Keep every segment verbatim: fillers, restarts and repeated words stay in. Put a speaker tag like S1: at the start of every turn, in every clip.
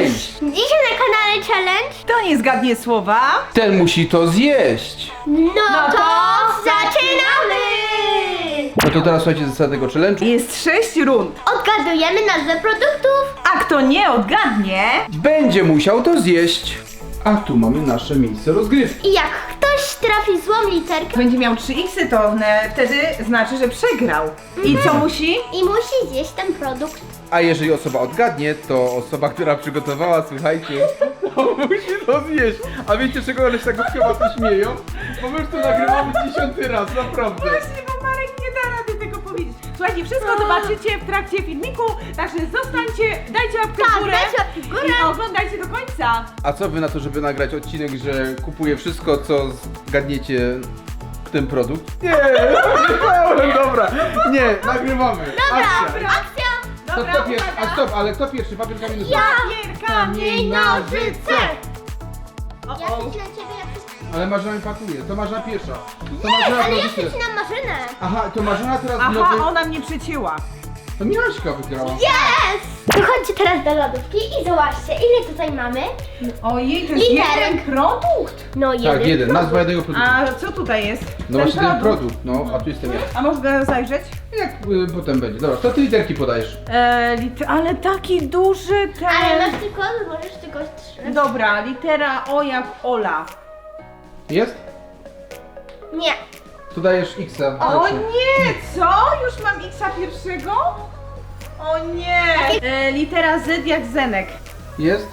S1: challenge!
S2: Dzisiaj na kanale challenge.
S3: Kto nie zgadnie słowa?
S1: Ten musi to zjeść.
S2: No,
S3: No
S2: to
S3: to
S2: zaczynamy!
S1: No to teraz słuchajcie zasady tego challenge'u.
S3: Jest sześć rund.
S2: Odgadujemy nazwę produktów.
S3: A kto nie odgadnie,
S1: Będzie musiał to zjeść. A tu mamy nasze miejsce rozgrywki.
S2: I jak ktoś trafi złą literkę
S3: będzie miał trzy iksy, to ne, wtedy znaczy, że przegrał. I co musi?
S2: i musi zjeść ten produkt.
S1: A jeżeli osoba odgadnie, to osoba, która przygotowała, słuchajcie, to musi to zjeść. A wiecie, czego one się tak chyba to śmieją? Bo my już to nagrywamy dziesiąty raz, naprawdę.
S3: Właśnie, bo Marek nie da rady tego powiedzieć. Słuchajcie, wszystko zobaczycie w trakcie filmiku, także zostańcie, dajcie łapkę
S2: Tak,
S3: w górę
S2: dajcie łapkę w górę.
S3: i oglądajcie do końca.
S1: A co wy na to, żeby nagrać odcinek, że kupuję wszystko, co zgadniecie ten produkt? Nie, nie, dobra, nie, nagrywamy. Akcja.
S2: Akcja!
S1: To
S3: Dobra,
S1: kto pierwszy?
S3: uwaga.
S1: A stop, ale kto pierwszy? Papier, kamień, nożyce.
S3: Papier, kamień, nożyce. O,
S2: Ja
S3: o.
S2: przycinam ciebie, ja przycinam.
S1: Ale Marzena mi pakuje, to Marzena pierwsza. To
S2: Nie,
S1: Marzena
S2: ale ja
S1: rodzice.
S2: przycinam maszynę.
S1: Aha, to Marzena teraz
S3: Aha,
S1: nowy...
S3: ona mnie przycięła.
S1: To Michaśka wygrała.
S2: Yes! To chodźcie teraz do lodówki i zobaczcie, ile tutaj mamy.
S3: Ojej, to jest
S2: Literek.
S3: jeden produkt.
S2: No jeden.
S1: Tak, jeden, nazwa jednego produktu.
S3: A co tutaj jest?
S1: No właśnie ten produkt, no, a tu jestem ja.
S3: A można zajrzeć?
S1: Jak y, potem będzie. Dobra, to ty literki podajesz.
S3: E, lit ale taki duży ten...
S2: Ale masz tylko, możesz tylko trzy.
S3: Dobra, litera O jak Ola.
S1: Jest?
S2: Nie.
S1: Tu dajesz X-a.
S3: O
S1: Proszę.
S3: nie, co? Już mam X-a pierwszego? O nie! E, litera Z jak Zenek.
S1: Jest?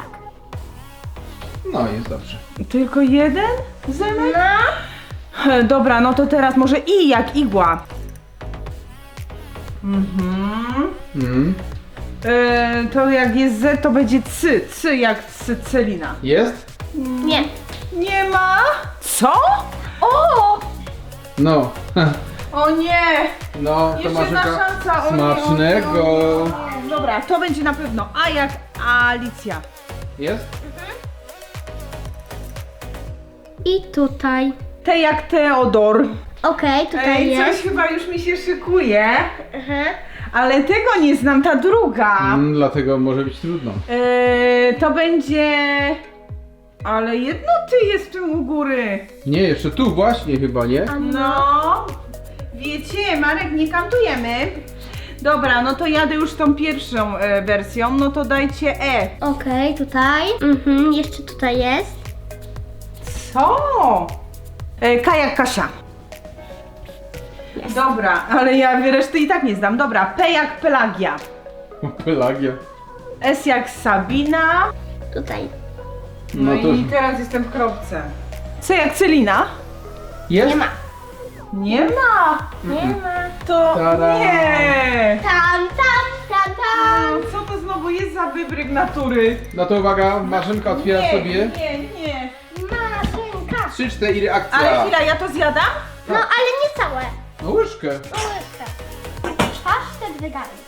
S1: No, jest dobrze.
S3: Tylko jeden Zenek?
S2: No.
S3: E, Dobra, no to teraz może I jak igła. Mhm.
S1: Mhm.
S3: E, to jak jest Z, to będzie C. C jak Cycelina.
S1: Jest?
S2: Nie.
S3: Nie ma? Co? O!
S1: No.
S3: O nie!
S1: No, to
S3: Jeszcze
S1: masz
S3: jedna szansa. O nie,
S1: smacznego.
S3: o nie, o nie. Dobra, to będzie na pewno A jak Alicja.
S1: Jest?
S2: I tutaj.
S3: T jak Teodor.
S2: Okej, tutaj
S3: Ej,
S2: jest.
S3: coś chyba już mi się szykuje,
S2: Aha.
S3: ale tego nie znam, ta druga.
S1: Mm, dlatego może być trudno.
S3: Eee, to będzie... Ale jedno ty jest w tym u góry.
S1: Nie, jeszcze tu właśnie chyba, nie?
S3: No, wiecie, Marek, nie kantujemy. Dobra, no to jadę już tą pierwszą e, wersją, no to dajcie E.
S2: Okej, tutaj. Mhm, jeszcze tutaj jest.
S3: Co? E, K jak Kasia.
S2: Jest.
S3: Dobra, ale ja reszty i tak nie znam. Dobra, P jak Pelagia.
S1: Pelagia.
S3: S jak Sabina.
S2: Tutaj.
S3: No,
S1: No to
S3: i teraz jestem w kropce. C jak Celina.
S1: jest?
S2: Nie ma.
S3: Nie ma.
S2: Nie ma.
S3: To
S1: Tada.
S3: nie.
S2: Tam, tam, tam, tam.
S3: Co to znowu jest za wybryk natury?
S1: No to uwaga, Marzenka otwiera
S3: nie,
S1: sobie.
S3: Nie, nie.
S2: Maszynka.
S1: Trzy, cztery, akcja.
S3: Ale chwila, ja to zjadam?
S2: No, ale nie całe.
S1: No łyżkę.
S2: No łyżkę. Pasztet wegański.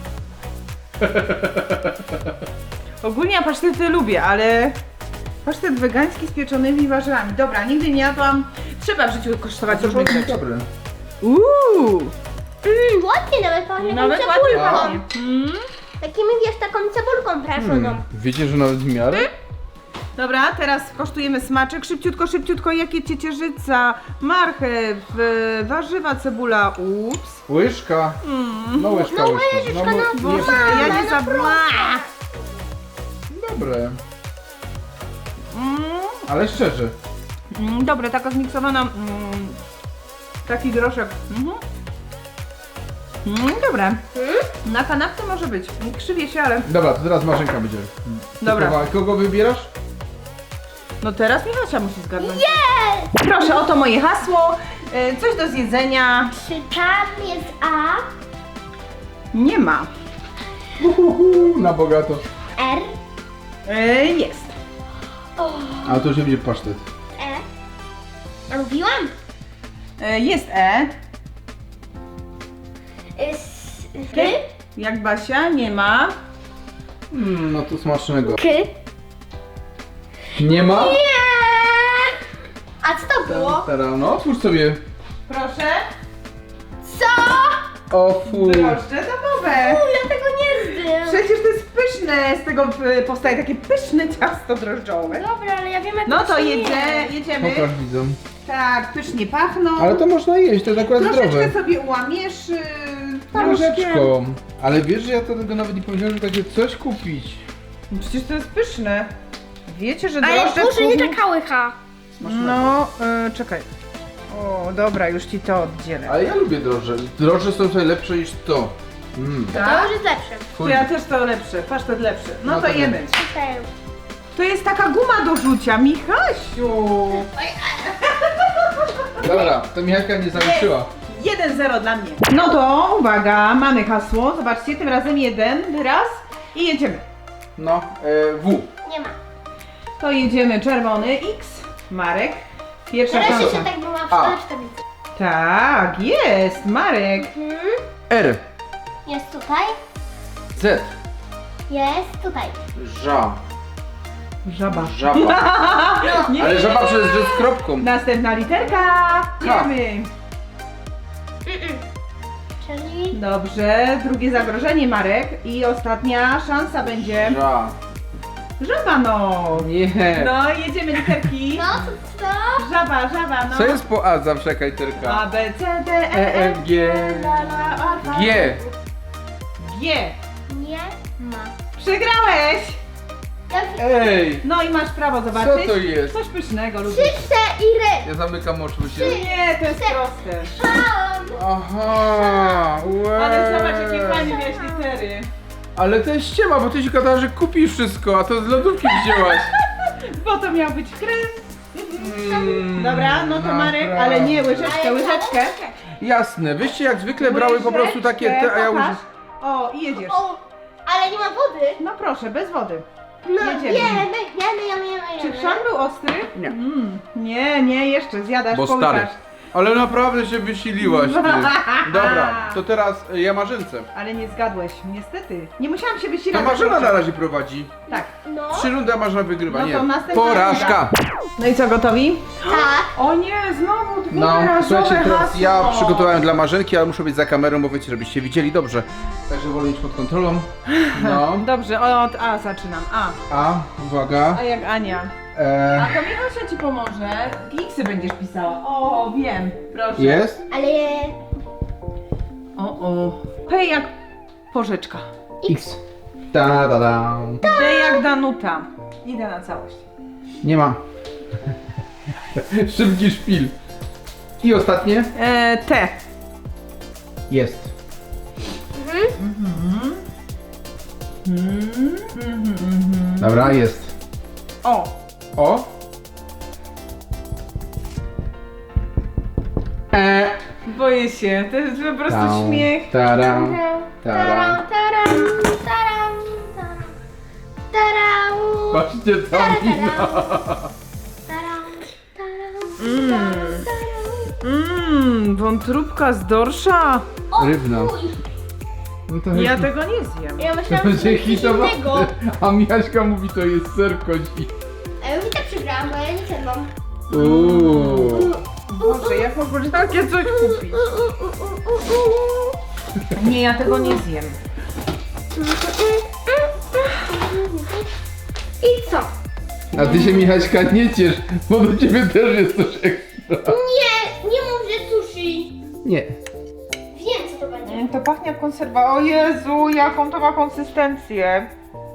S3: Ogólnie ja pasztety lubię, ale pasztet wegański z pieczonymi warzywami. Dobra, nigdy nie jadłam. Trzeba w życiu kosztować różnych rzeczy.
S1: Dobre.
S3: Uuu,
S2: Mmm, ładnie nawet pachnie.
S3: nawet
S2: taką
S3: ładnie
S2: cebulką.
S3: pachnie. Mm.
S2: Takimi, wiesz, taką cebulką prażoną.
S1: Hmm. Wiecie, że nawet w miarę?
S3: Dobra, teraz kosztujemy smaczek. Szybciutko, szybciutko. Jakie ciecierzyca, marchew, e, warzywa, cebula. Ups.
S1: Łyżka. No łyżka,
S2: No
S1: łyżka.
S2: łyżeczka,
S1: mo-
S2: no
S1: nie-
S3: Boże, ja nie
S2: no
S3: za...
S1: Dobre.
S3: Mm.
S1: Ale szczerze.
S3: Mm, dobre, taka zmiksowana. Mm, taki groszek. Mhm. Mm, dobre. Na kanapce może być. Krzywie się, ale.
S1: Dobra, to teraz Marzenka będzie.
S3: Dobra.
S1: Typowa. Kogo wybierasz?
S3: No teraz Michasia musi zgadnąć.
S2: Jest!
S3: Proszę, oto moje hasło. E, Coś do zjedzenia.
S2: Czy tam jest A,
S3: Nie ma.
S1: Uhuhu, na bogato.
S2: R,
S3: E, Jest.
S2: O,
S1: A to już będzie pasztet.
S2: E? A mówiłam?
S3: E, Jest E.
S2: S, K,
S3: Jak Basia, nie ma.
S1: Mm, no to smacznego.
S2: K.
S1: Nie ma?
S2: Nie! A co to było?
S1: Teraz, no otwórz sobie.
S3: Proszę.
S2: Co?
S1: O fu.
S3: Drożdże domowe.
S2: U, ja tego nie znam.
S3: Przecież to jest pyszne. pyszne, z tego y, powstaje takie pyszne ciasto drożdżowe.
S2: Dobra, ale ja wiem jak
S3: No to
S2: się
S3: jedzie,
S2: je.
S3: jedziemy.
S1: Pokaż widzom.
S3: Tak, pysznie pachną.
S1: Ale to można jeść, to jest akurat
S3: Troszeczkę
S1: zdrowe.
S3: sobie ułamiesz yy, paluszkiem.
S1: Troszeczką. Ale wiesz, że ja to tego nawet nie powiedziałem, że takie coś kupić.
S3: Przecież to jest pyszne. Wiecie, że
S2: Ale
S3: drożdże
S2: może
S3: w
S2: nie
S3: kuchni...
S2: taka łycha.
S3: No, y, czekaj. O, dobra, już ci to oddzielę.
S1: Ale ja lubię drożdże. Drożdże są tutaj lepsze niż to. Mm.
S2: To
S3: Tak?
S2: już jest lepsze.
S3: To ja też to lepsze, pasztet lepszy. No,
S1: No
S3: to
S1: to
S3: jemy.
S2: Okej.
S3: To jest taka guma do rzucia, Michasiu.
S1: Dobra, to Michałka nie zaliczyła.
S3: jeden zero dla mnie. No to uwaga, mamy hasło. Zobaczcie, tym razem jeden raz i jedziemy.
S1: No, e, W.
S2: Nie ma.
S3: To jedziemy czerwony X, Marek. Pierwsza
S2: Teraz
S3: szansa.
S2: jeszcze tak była
S1: A.
S2: w tablicy.
S3: Tak, jest, Marek.
S2: Mhm.
S1: R.
S2: Jest tutaj.
S1: Z.
S2: Jest tutaj.
S1: Ża.
S3: Żaba.
S1: Żaba.
S3: Nie.
S1: Ale żaba przez że z kropką.
S3: Następna literka. Jemy.
S2: Mm-mm. Czyli...
S3: Dobrze, drugie zagrożenie, Marek. I ostatnia szansa będzie.
S1: Ża.
S3: Żaba, no.
S1: Nie.
S3: No, jedziemy literki.
S2: No, to co?
S3: Żaba, żaba, no.
S1: Co jest po A zawsze jaka literka?
S3: A, B, C, D, E,
S1: E,
S3: F,
S1: F, G. G.
S3: G.
S2: Nie ma.
S3: Przegrałeś.
S2: Ja
S1: Ej.
S3: No i masz prawo zobaczyć.
S1: Co to jest?
S3: Coś pysznego, lubię.
S2: trzy, cztery.
S1: Ja zamykam oczy, bo się...
S3: Nie, to jest proste.
S2: Mam.
S1: Aha. Łe.
S3: Ale zobacz, jakie fajne miałeś litery.
S1: Ale to jest ściema, bo ty się gadasz, że kupisz wszystko, a to z lodówki wzięłaś.
S3: Bo to miał być krem.
S1: Mm,
S3: Dobra, no to Marek,
S1: naprawdę.
S3: ale nie łyżeczkę, łyżeczkę.
S1: Jasne, wyście jak zwykle brały po prostu takie te, a ja
S3: Pokaż.
S1: już...
S3: O, i jedziesz.
S2: O, ale nie ma wody.
S3: No proszę, bez wody.
S2: No,
S3: Jedziemy.
S2: jemy, jemy, jemy, jemy,
S3: Czy
S2: jemy.
S3: chrzan był ostry?
S1: Nie.
S3: Mm, nie, nie, jeszcze zjadasz,
S1: Bo
S3: połykasz.
S1: stary. Ale naprawdę się wysiliłaś, ty. Dobra, to teraz y, ja Marzynce.
S3: Ale nie zgadłeś, niestety. Nie musiałam się
S1: To
S3: wysilać.
S1: Marzena na razie prowadzi.
S3: Tak.
S2: No,
S1: Trzy rundy, a Marzena wygrywa,
S3: No to
S1: nie.
S3: następna
S1: Porażka.
S3: No i co, gotowi?
S2: tak.
S3: O nie, znowu dwie
S1: No,
S3: razowe
S1: słuchajcie, teraz
S3: hasło.
S1: ja przygotowałem dla Marzenki, ale muszę być za kamerą, bo wiecie, żebyście widzieli dobrze. Także wolę mieć pod kontrolą. No.
S3: Dobrze, od A zaczynam. A.
S1: A, uwaga.
S3: A jak Ania.
S1: E,
S3: A to Michasia ci pomoże. Xy będziesz pisała. O, wiem. Proszę.
S1: jest?
S2: Ale
S3: O, o. P jak porzeczka.
S1: X. Da, da, da.
S3: D jak Danuta. Idę na całość.
S1: Nie ma. Szybki szpil. I ostatnie?
S3: E, T.
S1: Jest.
S3: Mhm. Mhm, mhm.
S1: Dobra, jest.
S3: O.
S1: O. E.
S3: Boję się. To jest po prostu
S1: Tam,
S3: śmiech.
S1: Taram.
S2: taram,
S1: Taram.
S2: taram, taram, taram, taram,
S1: Patrzcie tam wino.
S2: taram, taram,
S3: Mm.
S2: taram.
S3: Mmm, wątróbka z dorsza.
S2: O,
S1: Rybna.
S2: fuj.
S1: No to
S3: Ja
S1: jest-
S3: tego nie zjem.
S2: Ja
S1: to
S2: myślałam, że
S1: będzie
S2: to jest coś
S1: hitowa.
S2: innego.
S1: A Miaśka mówi, to jest ser kozi.
S2: A ja mi tak przegrałam, bo ja nie zjadłam.
S1: Uuu.
S3: Boże, jak mogłeś takie coś kupić? Nie, ja tego nie zjem.
S2: I co?
S1: A ty się Michaśka nie ciesz, bo do ciebie też jest coś ekstra.
S2: Nie, nie mów, że sushi.
S1: Nie.
S2: Wiem, co to będzie.
S3: To pachnie jak konserwa. O Jezu, jaką to ma konsystencję.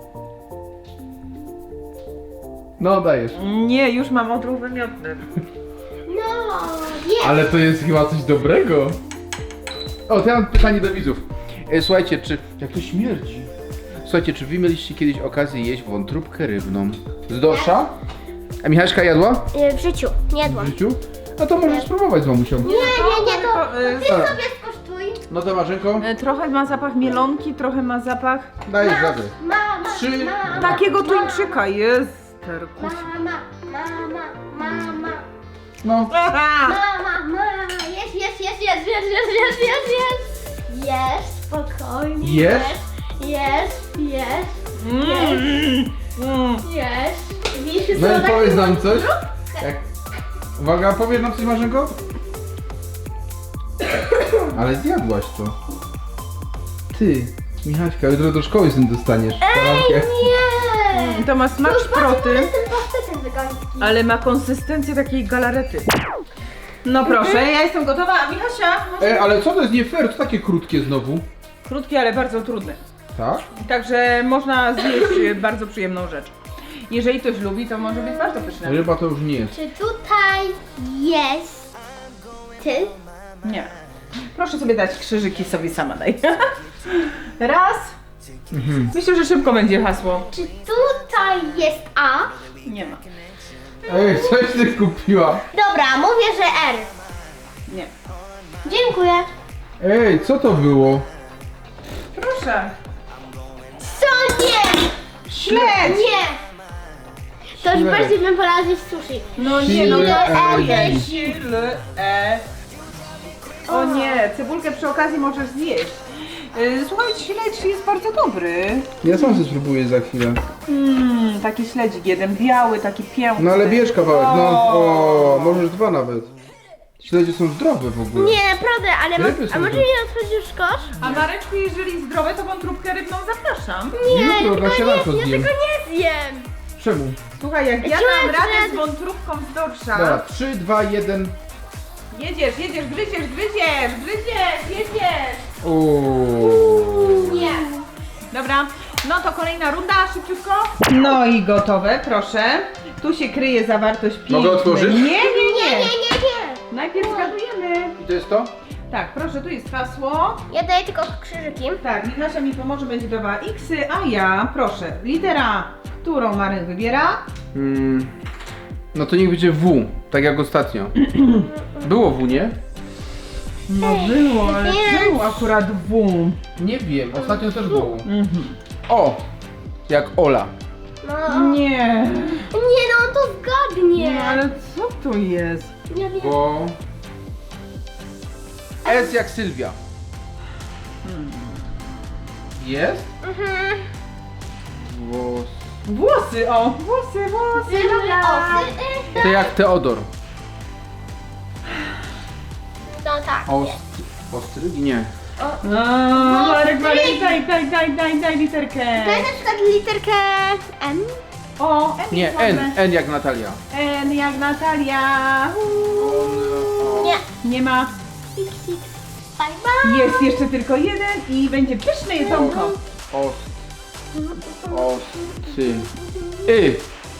S1: No dajesz.
S3: Nie, już mam odruch wymiotny.
S2: No, jest.
S1: Ale to jest chyba coś dobrego. O, to ja mam pytanie do widzów. E, słuchajcie, czy... Jak to śmierdzi? Słuchajcie, czy wy mieliście kiedyś okazję jeść wątróbkę rybną z dorsza? A Michaśka jadła
S2: Y, W życiu, nie
S1: w
S2: jadłam.
S1: życiu? No to możesz spróbować z mamusią.
S2: Nie, nie, nie, to
S3: e,
S2: ty
S1: Dobra.
S2: sobie skosztuj.
S1: No to Marzenko,
S3: E, Trochę ma zapach mielonki, trochę ma zapach
S1: dajesz radę.
S2: Mama,
S1: Trzy.
S2: mama,
S3: takiego tuńczyka. Jest. Terkus.
S2: mama, mama, mama,
S1: No.
S3: Aha!
S2: mama, mama, jest, jest, jest, jest, jest, jest, jest, jest, jest. Jest, spokojnie.
S1: Jest?
S2: Jest, jest,
S3: Mm. Mm.
S2: jest. Widzisz,
S1: No
S2: co
S1: i
S2: tak-
S1: powiedz nam coś. Jak... Uwaga, powiedz nam coś Marzenko. Ale zjadłaś to. Ty. Michaśka, jutro do szkoły z tym dostaniesz.
S2: Ej, nie!
S3: To ma smak
S2: Już
S3: szproty,
S2: bardzo jestem pasztetem wegańskim.
S3: ale ma konsystencję takiej galarety. No proszę, ja jestem gotowa, a Michasia?
S1: Ej, ale co to jest nie fair? To takie krótkie znowu.
S3: Krótkie, ale bardzo trudne.
S1: Tak?
S3: Także można zjeść bardzo przyjemną rzecz. Jeżeli ktoś lubi, to może być bardzo pyszne.
S1: Ryba to już nie jest.
S2: Czy tutaj jest ty?
S3: Nie. Proszę sobie dać krzyżyki, sobie sama daj. Raz. Myślę, że szybko będzie hasło.
S2: Czy tutaj jest A?
S3: Nie ma.
S1: Ej, coś ty kupiła.
S2: Dobra, mówię, że R.
S3: Nie.
S2: Dziękuję.
S1: Ej, co to było?
S3: Proszę.
S2: Co nie?
S3: Śledź!
S2: Nie! To już
S1: Śledź.
S2: bardziej bym wolała zjeść sushi.
S3: No nie, no to
S1: Śledź.
S3: E, śl, e. O nie, cebulkę przy okazji możesz zjeść. Yy, Słuchajcie, śledź jest bardzo dobry.
S1: Ja sam sobie spróbuję za chwilę.
S3: Mmm, taki śledzik jeden biały, taki piękny.
S1: No ale bierz kawałek, no.
S3: O.
S1: O, możesz dwa nawet. Śledzie są zdrowe w ogóle.
S2: Nie, naprawdę, ale
S1: Ryby
S2: mo-
S1: są
S2: a może
S1: dobre.
S2: nie otworzysz kosz?
S3: A Mareczku, jeżeli zdrowe, to wątróbkę rybną zapraszam.
S1: Jutro na
S2: tego
S1: śniadanko
S2: nie, ja
S1: zjem.
S2: tego nie zjem.
S1: Czemu?
S3: Słuchaj, jak ja
S2: Czułem,
S3: dam radę
S2: że-
S3: z wątróbką z dorsza.
S1: Dobra, trzy, dwa, jeden.
S3: Jedziesz, jedziesz, gryziesz, gryziesz, gryziesz, jedziesz.
S1: Uuu.
S2: Nie.
S3: Dobra, no to kolejna runda, szybciutko. No i gotowe, proszę. Tu się kryje zawartość pięknej.
S1: Mogę otworzyć?
S3: Nie, nie,
S2: Nie,
S3: nie.
S2: nie, nie, nie.
S3: Najpierw zgadujemy.
S1: I to jest to?
S3: Tak, proszę, tu jest hasło.
S2: Ja daję tylko krzyżyki.
S3: Tak, Michasia mi pomoże, będzie dawała X-y, a ja, proszę, litera, którą Maryn wybiera.
S1: Mm. No to niech będzie W, tak jak ostatnio. Było W, nie?
S3: No było, ale
S2: Więc-
S3: było akurat W.
S1: Nie wiem, ostatnio też było.
S3: Mhm.
S1: O! Jak Ola.
S2: No.
S3: Nie.
S2: Nie, no on to zgadnie.
S3: No ale co to jest?
S2: Nie wiem.
S1: Bo... S jak Sylwia. Jest?
S2: Mhm.
S1: Włos.
S3: Włosy, o, włosy, włosy.
S2: Dobra.
S3: dobra.
S2: Osy, y,
S1: To jak Teodor.
S2: No tak.
S1: Ost... Ostrygi? Nie.
S3: No, Marek, Marek, daj, daj, daj, daj, daj literkę.
S2: Daj na przykład literkę N.
S3: O, N
S1: Nie,
S3: jest
S1: N.
S3: dobre.
S1: N jak Natalia.
S3: N jak Natalia. Uuu.
S2: Nie.
S3: Nie ma.
S2: X, X. Bye, bye.
S3: Jest jeszcze tylko jeden i będzie pyszne jedzonko.
S1: Ost... Osty... Y.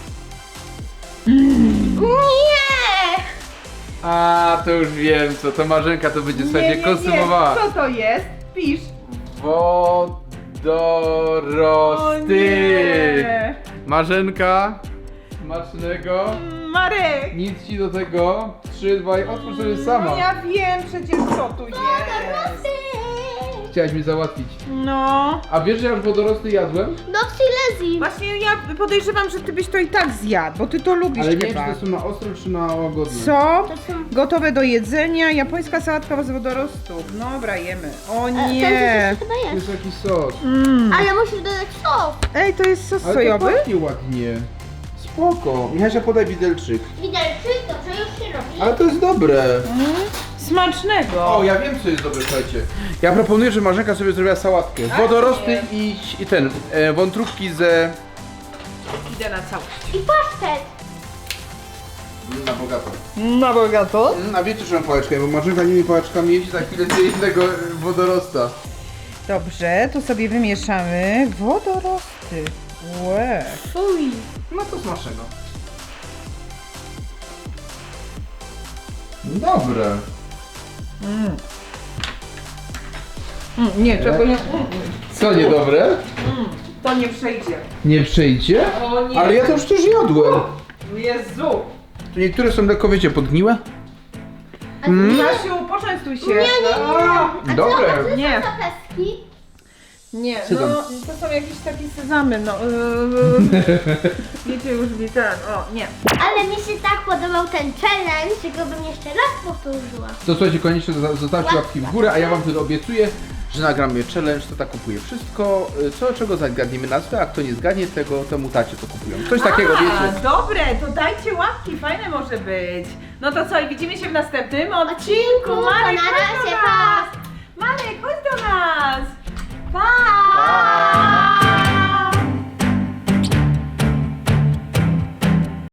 S2: Nie.
S1: A, to już wiem co, to Marzenka to będzie sobie konsumowała.
S3: Co to jest? Pisz. O
S1: Wodorosty.
S3: nie.
S1: Marzenka, smacznego.
S3: Marek.
S1: Nic ci do tego. Trzy, dwa i otwórz sobie sama.
S3: No ja wiem przecież co tu jest.
S2: Wodorosty.
S1: Chciałaś mi załatwić.
S3: No.
S1: A wiesz, że ja już wodorosty jadłem?
S2: Do Silesii.
S3: Właśnie ja podejrzewam, że ty byś to i tak zjadł, bo ty to lubisz
S1: Ale nie wiem,
S3: chyba.
S1: czy to są na ostro, czy na łagodne.
S3: Co?
S2: To są...
S3: Gotowe do jedzenia, japońska sałatka z wodorostów. Dobra, jemy. O
S2: E, Ten
S3: nie.
S2: coś chyba
S1: To
S2: jest.
S1: jest jakiś sos.
S3: Mm.
S2: Ale musisz dodać sos.
S3: Ej, to jest sos
S1: Ale to
S3: sojowy?
S1: pachnie ładnie. Spoko. Michasia, podaj widelczyk.
S2: Widelczy, to co już się robi.
S1: Ale to jest dobre.
S3: Mm. Smacznego.
S1: O, ja wiem, co jest dobre, słuchajcie. Ja proponuję, że Marzenka sobie zrobiła sałatkę. Wodorosty i, i ten, e, wątróbki ze...
S3: Idę na całość.
S2: I pasztet.
S1: Na bogato.
S3: Na bogato.
S1: Mm, A wiecie, że mam pałeczkę, bo Marzenka nimi pałeczkami jeździ, za chwilę zje jednego wodorosta.
S3: Dobrze, tu sobie wymieszamy wodorosty. Łe.
S2: Fuj.
S1: No to smacznego. Dobre.
S3: Mm. Mm, nie, czego nie. Mm,
S1: Co niedobre?
S3: mm, to nie przejdzie.
S1: Nie przejdzie?
S3: O nie.
S1: Ale ja to już też jadłem.
S3: Jezu.
S1: Tu niektóre są lekko, wiecie, podgniłe?
S3: Mm. Jasiu, poczęstuj się.
S2: Nie, nie, nie.
S3: O,
S2: A
S1: Dobre.
S2: co, a co
S3: Nie.
S2: są za pestki?
S3: Nie,
S1: Sezam.
S3: no to są jakieś takie sezamy, no. Yy, wiecie już mi ten, o nie.
S2: Ale mi się tak podobał ten challenge, że go bym jeszcze raz powtórzyła.
S1: To słuchajcie, koniecznie zo- zostawcie łapki w górę, a ja wam wtedy obiecuję, że nagramy challenge, to tak kupuje wszystko, y, co czego zagadniemy nazwę, a kto nie zgadnie tego, temu tacie to kupują. Coś takiego,
S3: A,
S1: wiecie.
S3: dobre, to dajcie łapki, fajne może być. No to co, i widzimy się w następnym odcinku.
S2: To
S3: Marek,
S2: na
S3: chodź do
S2: razie,
S3: nas.
S2: pa!
S3: Marek, chodź do nas.
S2: Pa!
S1: Pa!